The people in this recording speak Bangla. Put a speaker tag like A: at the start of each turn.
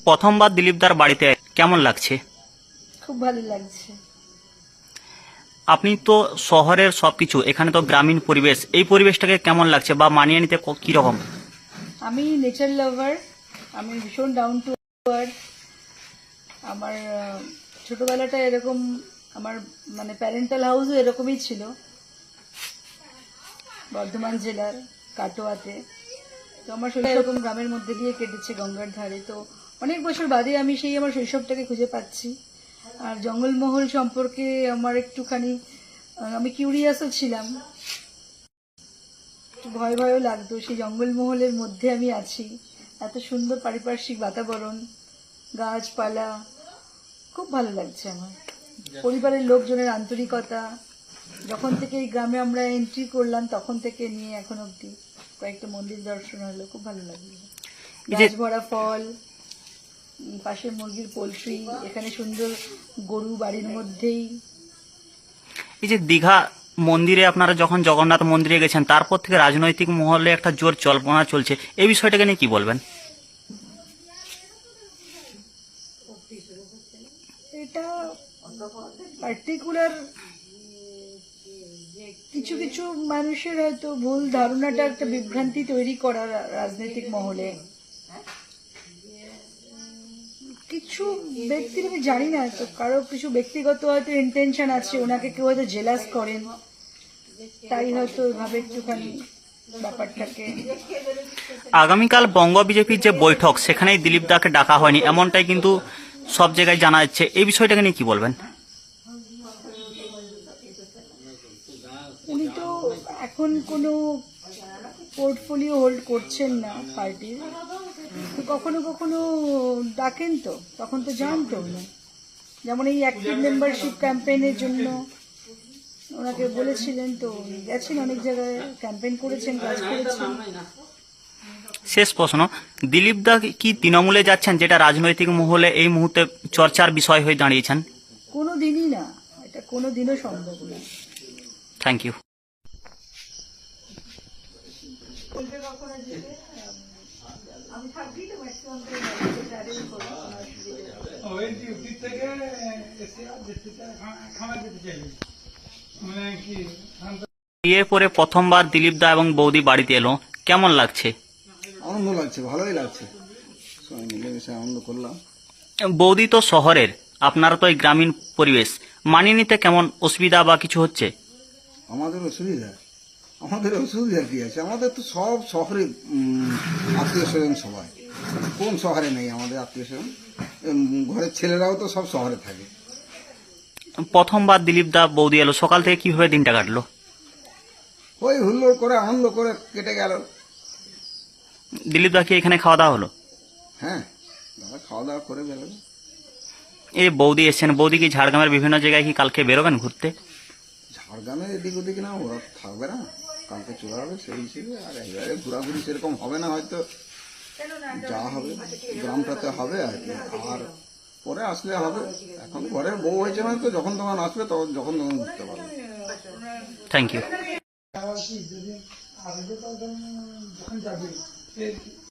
A: প্রথমবার দিলীপদার বাড়িতে কেমন লাগছে?
B: খুব ভালো লাগছে।
A: আপনি তো শহরের সবকিছু, এখানে তো গ্রামীণ পরিবেশ, এই পরিবেশটাকে কেমন লাগছে বা মানিয়ে নিতে কি রকম?
B: আমি নেচার লাভার, আমি ভীষণ ডাউন টু আর্থ। আমার ছোটবেলাটা এরকম, আমার মানে প্যারেন্টাল হাউসও এরকমই ছিল বর্ধমান জেলার কাটোয়াতে। তো আমার শৈশব এরকম গ্রামের মধ্যে দিয়ে কেটেছে, গঙ্গার ধারে। তো অনেক বছর বাদে আমি সেই আমার শৈশবটাকে খুঁজে পাচ্ছি। আর জঙ্গলমহল সম্পর্কে আমার একটুখানি আমি কিউরিয়াসও ছিলাম, একটু ভয় ভয়ও লাগতো। সেই জঙ্গলমহলের মধ্যে আমি আছি, এত সুন্দর পারিপার্শ্বিক বাতাবরণ, গাছপালা, খুব ভালো লাগছে আমার। পরিবারের লোকজনের আন্তরিকতা, যখন থেকে এই গ্রামে আমরা এন্ট্রি করলাম তখন থেকে নিয়ে এখন অবধি কয়েকটা মন্দির দর্শন হলো, খুব ভালো লাগলো। গাছ ভরা ফল, পাশে মুরগির পোলট্রি, এখানে সুন্দর গরু বাড়ির মধ্যেই।
A: এই যে দীঘা মন্দিরে আপনারা যখন জগন্নাথ মন্দিরে গেছেন, তারপর থেকে রাজনৈতিক মহলে একটা জোর জল্পনা চলছে, এই বিষয়টাকে নিয়ে কি বলবেন?
B: এটা পার্টিকুলার কিছু কিছু মানুষের হয়তো ভুল ধারণাটা একটা বিভ্রান্তি তৈরি করা রাজনৈতিক মহলে। কিছু ব্যক্তির আমি জানি না, তো কারো কিছু ব্যক্তিগত হয়তো ইন্টেনশন আছে, ওনাকে কেউ হয়তো জেলাস করেন, তাই হয়তো এভাবে একটুখানি ব্যাপারটাকে।
A: আগামীকাল বঙ্গ বিজেপির যে বৈঠক, সেখানেই দিলীপ দাকে ডাকা হয়নি, এমনটাই কিন্তু সব জায়গায় জানা যাচ্ছে, এই বিষয়টাকে নিয়ে কি বলবেন?
B: উনি তো এখন কোনো পোর্টফোলিও হোল্ড করছেন না পার্টির, তো কখনো কখনো ডাকেন, তো তখন তো জানতো উনি। যেমন এই অ্যাক্টিভ মেম্বারশিপ ক্যাম্পেইনের জন্য ওনাকে বলেছিলেন, তো উনি গেছেন অনেক জায়গায়, ক্যাম্পেইন করেছেন, কাজ করেছেন।
A: শেষ প্রশ্ন, দিলীপ দা কি তৃণমূলে যাচ্ছেন, যেটা রাজনৈতিক মহলে এই মুহূর্তে চর্চার বিষয় হয়ে দাঁড়িয়েছেন?
B: কোনো দিনই না, এটা কোনো দিনও সম্ভব না।
A: Thank you.
B: আমি থাকি তো ম্যাক্সিমাম
A: বিয়ের পরে প্রথমবার দিলীপ দা এবং বৌদি বাড়িতে এলো, কেমন লাগছে?
C: আনন্দ লাগছে, ভালোই লাগছে, সবাই মিলেমিশে আনন্দ করলাম।
A: বৌদি তো শহরের, আপনারা তো এই গ্রামীণ পরিবেশ, মানিয়ে নিতে কেমন অসুবিধা বা কিছু হচ্ছে?
C: আমাদের অসুবিধা কি আছে? আমাদের তো সব শহরে আত্মীয় স্বজন, সবাই। কোন শহরে নেই আমাদের আত্মীয় স্বজন? ঘরের ছেলেরাও তো সব শহরে থাকে।
A: প্রথমবার দিলীপ দা বৌদি এলো, সকাল থেকে কিভাবে দিনটা কাটলো?
C: ওই হুল্লোড় করে আনন্দ করে কেটে গেল।
A: দিলীপ দা কি এখানে খাওয়া দাওয়া হলো?
C: হ্যাঁ, দাদা খাওয়া দাওয়া করে বেরোবে।
A: এই বৌদি এসছেন, বৌদি কি ঝাড়গ্রামের বিভিন্ন জায়গায় কি কালকে বেরোবেন ঘুরতে?
C: ঝাড়গ্রামের এদিক ওদিক না, ওরা থাকবে না, কালকে চলে হবে সেই হিসেবে। আর একবারে ঘোরাঘুরি সেরকম হবে না, হয়তো যা হবে গ্রামটাতে হবে আর কি। আর পরে আসলে হবে, এখন ঘরের বউ হয়েছে না, তো যখন তখন আসবে, তখন যখন তখন ঘুরতে পারবে।
A: Thank you.